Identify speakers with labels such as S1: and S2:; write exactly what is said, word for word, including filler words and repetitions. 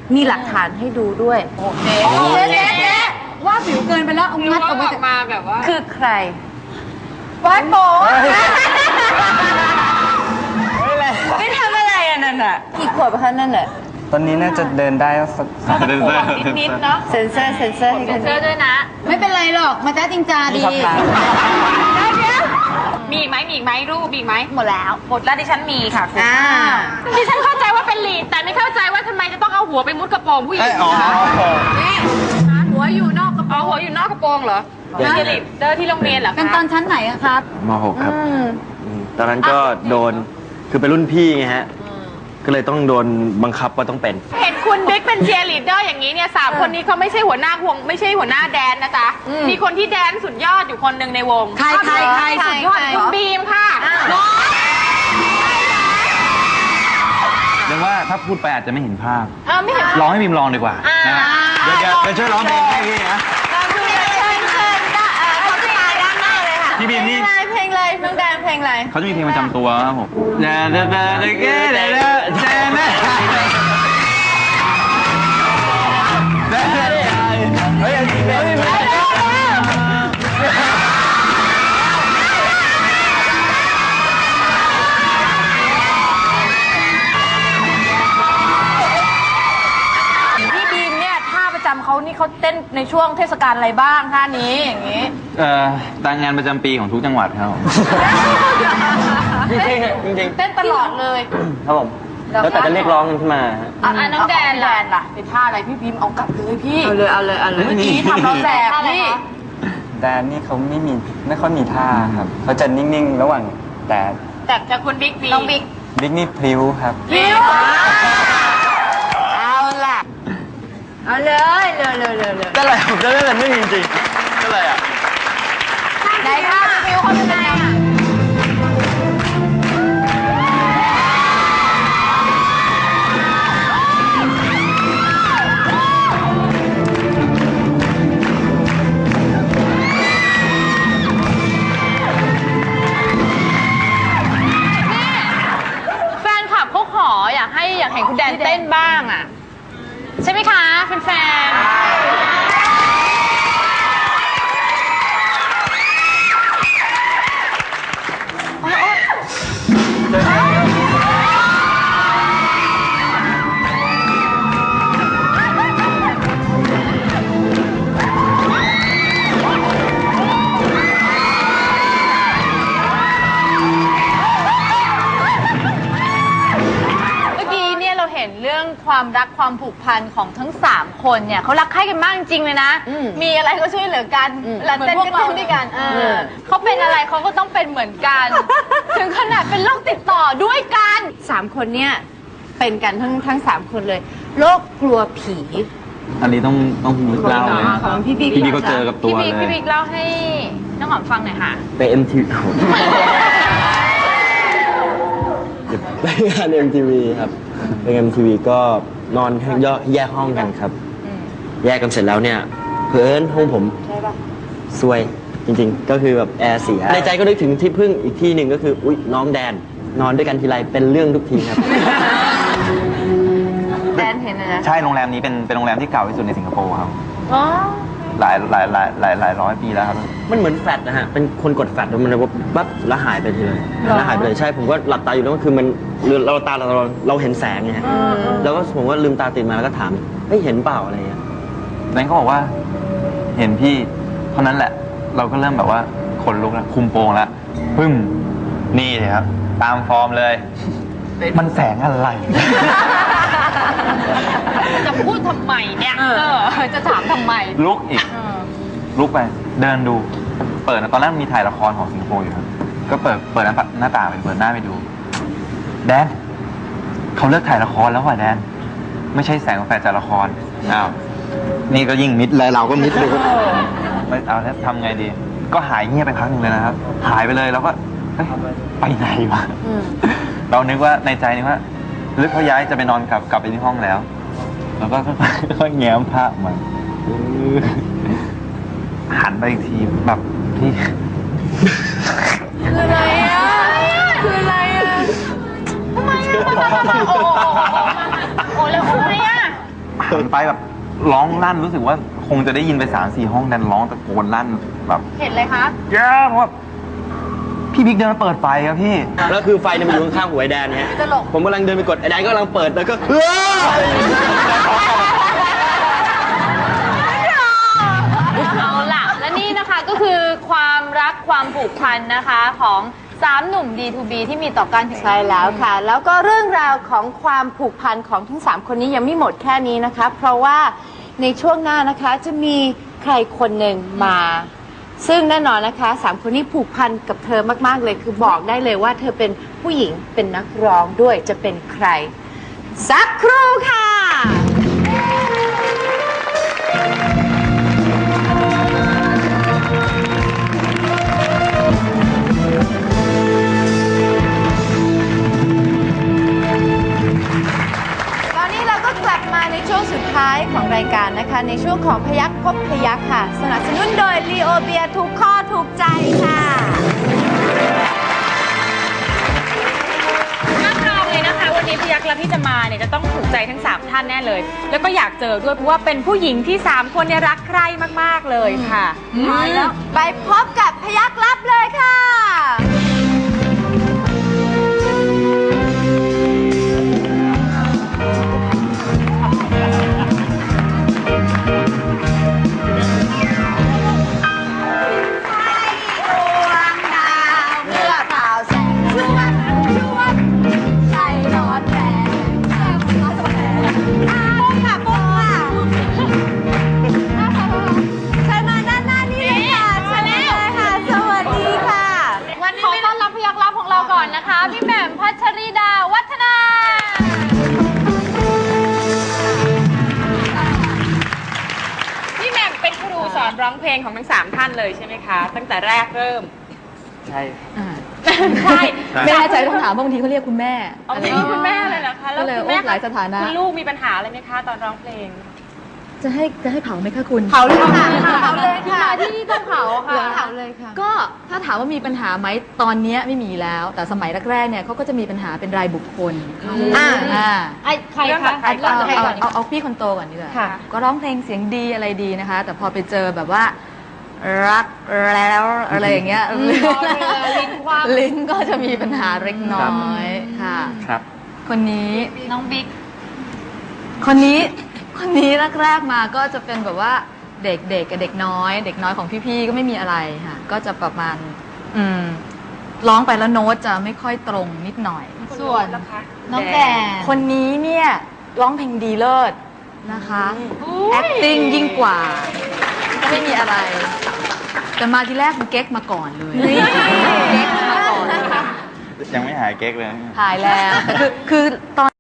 S1: มีหลักฐานให้ดูด้วยโอเค
S2: เจ๊เจ๊เจ๊ว่าผิวเกินไปแล้วเอางัดออกมาแบบว่า
S1: คือใคร
S2: วัดโป๊
S1: ไม่ทำอะไรอ่ะนั่นอ่ะกี่ขวบคะนั่นอ่ะ
S3: ตอนนี้น่าจะเดินได้สัก
S1: เดินได้นิดๆเนาะเซนเซอร์เซนเซอร์ให้เซนเซอร์ด้วยนะ
S2: ไม่เป็นไรหรอกมาจ้าจริงจาดี
S1: มีอีกไหมมีอีกไหมรูปมีอีกไหมหมดแล้วหมดแล้วดิฉันมีค่ะคุณดิฉันเข้าใจว่าเป็นลีดแต่ไม่เข้าใจว่าทำไมจะต้องเอาหัวไปมุดกระโปรงผู้หญิงนี่หัวอยู่นอกกระโปรงหัวอยู่นอกกระโปรงเหรอเป็นลีดเดอร์ที่โรงเรียนเหรอ
S2: เป็นตอนชั้นไหนอะครับ
S4: ม หก ครับตอนนั้นก็โดนคือเป็นรุ่นพี่ไงฮะก็เลยต้องโดนบังคับว่าต้องเป็น
S1: เห็นคุณบิ๊กเป็นเชียร์ลีดเดอร์อย่างนี้เนี่ยสามคนนี้เขาไม่ใช่หัวหน้าวงไม่ใช่หัวหน้าแดนนะจ๊ะมีคนที่แดนสุดยอดอยู่คนหนึ่งในวง
S2: ใครใครใครสุดยอด
S1: คุณบีมค่ะ
S5: เรียกว่าถ้าพูดไปอาจจะไม่เห็นภาพ
S1: ไม่เห็น
S5: ร้องให้บีมลองดีกว่านะเดี๋ยวเดี๋ยวช่วยร้องเพลงให้พี่นะพี่บีมนี่
S1: เพลงอะไรน้องแดนเพลงอะไร
S5: เขาจะมีเพลงประจำตัวครับผมเด้อเด้อเด้อเด้อเด้อเด้อเด้อเด้อเฮ้ยจริงเลย
S1: พี่บีมเนี่ยท่าประจำเขานี่เขาเต้นในช่วงเทศกาลอะไรบ้างท่านี้อย่างนี้
S5: เอ่อตามงานประจำปีของทุกจังหวัดครับ
S4: จริงจริงจริง
S1: เต้นตลอดเลย
S4: ครับผมแล้วแต่จะเรียกร้องกันขึ้นมา
S1: อ่ะน้องแดนแดนล่ะเป็นท่าอะไรพี่บีมเอากลับเลยพี่เอาเลยเอาเลยเอาเลยเมื่อกี้ทำเราแสบพี่
S3: แดนนี่เขาไม่มีไม่ค่อยมีท่าครับเขาจะนิ่งๆระหว่างแต่
S1: แต่แต่คุณบิ๊กน้องบิ๊ก
S3: บิ๊กนี่พลิ้วครับ
S1: พลิ้วเอาล่ะเอาเลยเร็วเร็วเร็วเร็ว
S4: ก็อะไรผมจะเล่นแต่ไม่จริงๆก็อะไรอ่ะ
S1: ไหนท่าพี่พลิ้วเขาเป็นไงอ่ะอยากให้อยากเห็นคุณแดนเต้นบ้างอ่ะใช่ไหมคะแฟนเรื่องความรักความผูกพันของทั้งสามคนเนี่ยเขารักใคร่กันมากจริงๆเลยนะมีอะไรก็ช่วยเหลือกันแล้วเต้นก็เต้นด้วยกันเขาเป็นอะไรเขาก็ต้องเป็นเหมือนกันถึงขนาดเป็นโรคติดต่อด้วยกันสามคนเนี่ยเป็นกันทั้งทั้งสามคนเลยโรคกลัวผี
S5: อันนี้ต้องต้องพี่บิ๊กเล่าเลย
S1: พี่บิ๊ก
S5: พี่บิ๊กก็เจอกับตัวเลย
S1: พี่บิ๊กเล่าให้น้องหอมฟังหน่อยค่ะ
S4: ไป เอ็ม ที วี ไปงาน เอ็ม ที วี ครับไปงาน เอ็ม ที วี ก็นอนแยกห้องกันครับแยกกันเสร็จแล้วเนี่ยเพื่อนห้องผมซวยจริงๆก็คือแบบแอร์เสียในใจก็นึกถึงที่พึ่งอีกที่หนึ่งก็คืออุ๊ยน้องแดนนอนด้วยกันทีไรเป็นเรื่องทุกทีครับ
S1: แดนเห็นนะ
S5: ใช่โรงแรมนี้เป็นเป็นโรงแรมที่เก่าที่สุดในสิงคโปร์ครับหลายหลายหลายหลายหลายร้อยปีแล้วครับ
S4: มันเหมือนแฟลชนะฮะเป็นคนกดแฟลชแล้วมันปั๊บแล้วหายไปทีเลยแล้วหายไปเลยใช่ผมก็หลับตาอยู่แล้วก็คือมันเราตาเราเราเห็นแสงไงฮะแล้วก็ผมก็ลืมตาตื่นมาแล้วก็ถามเฮ้ยเห็นเปล่าอะไรเงี้ย
S5: แบงค์ก็บอกว่าเห็นพี่เท่านั้นแหละเราก็เริ่มแบบว่าขนลุกแล้วคุมโปงแล้วพึ่งนี่เลยครับตามฟอร์มเลยมันแสงอะไร
S1: จะพูดทำไมเนี่ยจะถามทำไม
S5: ลุกอีกลุกไปเดินดูเปิดตอนแรกมีถ่ายละครของสิงคโปร์อยู่ครับก็เปิดเปิดหน้าต่างไปเปิดหน้าไปดูแดนเขาเลิกถ่ายละครแล้วว่ะแดนไม่ใช่แสงแฟลชจากละครอ้าวนี่ก็ยิ่งมิดเลยเราก็มิดเลยไม่เอาแล้วทำไงดีก็หายเงียบไปพักหนึ่งเลยนะครับหายไปเลยแล้วก็ไปไหนวะเรานึกว่าในใจนึกว่าลึกเขาย้ายจะไปนอนกลับกลับไปที่ห้องแล้วแล้วก็ค่อยๆแง้มผ้ามันหันไปอีกทีแบบพี่
S1: คืออะไรอ่ะคืออะไรอ่ะทำไมอ่ะโอ้โหแล้วทำไมอ่ะ
S5: หหันไปแบบร้องลั่นรู้สึกว่าคงจะได้ยินไปสามสี่ห้องแดนร้องตะโกนลั่นแบบ
S1: เห็นเลยคะ
S5: แย่เพราะว่าพี่บิ๊กเดินมาเปิดไฟครับพี่
S4: แล้วคือไฟเนี่ยมันอยู่ข้างๆหัวไอ้แดนเนี่ย
S1: ตลก
S4: ผมกำลังเดินไปกดไอ้แดนก็กำลังเปิดแล้วก็เฮ้ย
S1: เอาล่ะ และนี่นะคะก็คือความรักความผูกพันนะคะของสามหนุ่ม ดี ทู บี ที่มีต่อกันถึง
S6: ใช่แล้วค่ะ แล้วก็เรื่องราวของความผูกพันของทั้งสามคนนี้ยังไม่หมดแค่นี้นะคะ เพราะว่าในช่วงหน้านะคะจะมีใครคนหนึ่งมา ซึ่งแน่นอนนะคะสามคนนี้ผูกพันกับเธอมากๆเลย คือบอกได้เลยว่าเธอเป็นผู้หญิงเป็นนักร้องด้วยจะเป็นใคร สักครู่ค่ะ ตอนนี้เราก็กลับมาในช่วงสุดท้ายของรายการนะคะ ในช่วงของพยักพบพยักค่ะ สนับสนุนโดยลีโอเบียทุกข้อถูกใจค่ะ
S2: รับรองเลยนะคะวันนี้พี่ยักษ์และพี่จะมาเนี่ยจะต้องถูกใจทั้งสามท่านแน่เลย แล้วก็อยากเจอด้วยเพราะว่าเป็นผู้หญิงที่สามคนเนี่ยรักใคร่มากๆเลยค่ะ
S6: แล้วไปพบกับพยักลับเลยค่ะ เมื่อเปล่าแสงชวดชวดใจร้อนแรงแรงร้อนแรงปุ้งค่ะปุ้งค่ะเชิญมาด้านหน้านี้เลยค่ะเชิญมาเลยค่ะ สวัสดีค่ะ
S1: วันนี้ขอต้อนรับพยักลับของเราก่อนนะคะ พี่แหม่มพัชรีดาวัฒนา
S2: พี่แหม่มเป็นครูสอนร้องเพลงของทั้งสามท่านเลยใช่ไหมคะ ตั้งแต่แรกเริ่ม
S3: ใช่
S2: ใช่
S7: ไม่แน่ใจต้องถามเพราะบางทีเขาเรียกคุณแม่
S2: เอาเรียกว่าคุณแม่เลยเหรอคะแล้ว
S7: ก็เลย
S2: คุณแม่
S7: โอ้หลายสถานะ
S2: คุณลูกมีปัญหาอะไรไหมคะตอนร้องเพลง
S7: จะให้จะให้เผาไหมคะคุณ
S6: เผาเลยค่ะเผาเลยค่ะ
S1: มาที่นี่ต้องเผาค่ะ
S6: เผาเลยค่ะ
S7: ก็ถ้าถามว่ามีปัญหาไหมตอนเนี้ยไม่มีแล้ว แต่สมัยแรกๆเนี่ยเขาก็จะมีปัญหาเป็นรายบุคคล
S6: อ่า
S7: อ่า
S1: ไอ้ใคร
S2: เริ่ม
S1: คะ
S2: จากใคร
S7: เอา
S2: ก่อน
S7: เอา
S1: ใคร
S7: เอา
S1: ก่อน
S7: เอาเอาพี่คนโตก่อนดีกว่า
S1: ค่ะ
S7: ก็ร้องเพลงเสียงดีอะไรดีนะคะ แต่พอไปเจอแบบว่า รักแล้วอะไรอย่างเงี้ย
S1: ลิ้นคว่ำ
S7: ลิ้นก็จะมีปัญหาเล็กน้อยค่ะ
S3: ครับ
S7: คนนี้
S1: น้องบิ๊ก
S7: คนนี้ คนนี้แรกๆมาก็จะเป็นแบบว่าเด็กๆกับเด็กน้อย เด็กน้อยของพี่ๆก็ไม่มีอะไรค่ะ ก็จะประมาณ อืมร้องไปแล้วโน้ตจะไม่ค่อยตรงนิดหน่อย
S1: ส่วน
S2: แล้วคะ
S1: น้องแดน
S7: คนนี้เนี่ยร้องเพลงดีเลิศนะคะ acting ยิ่งกว่า ก็ไม่มีอะไร แต่มาทีแรกมันเก๊กมาก่อนเลยเก๊กมาก่อน
S5: ยังไม่หายเก๊กเลย
S7: ถ่ายแล้วแต่คือคือตอน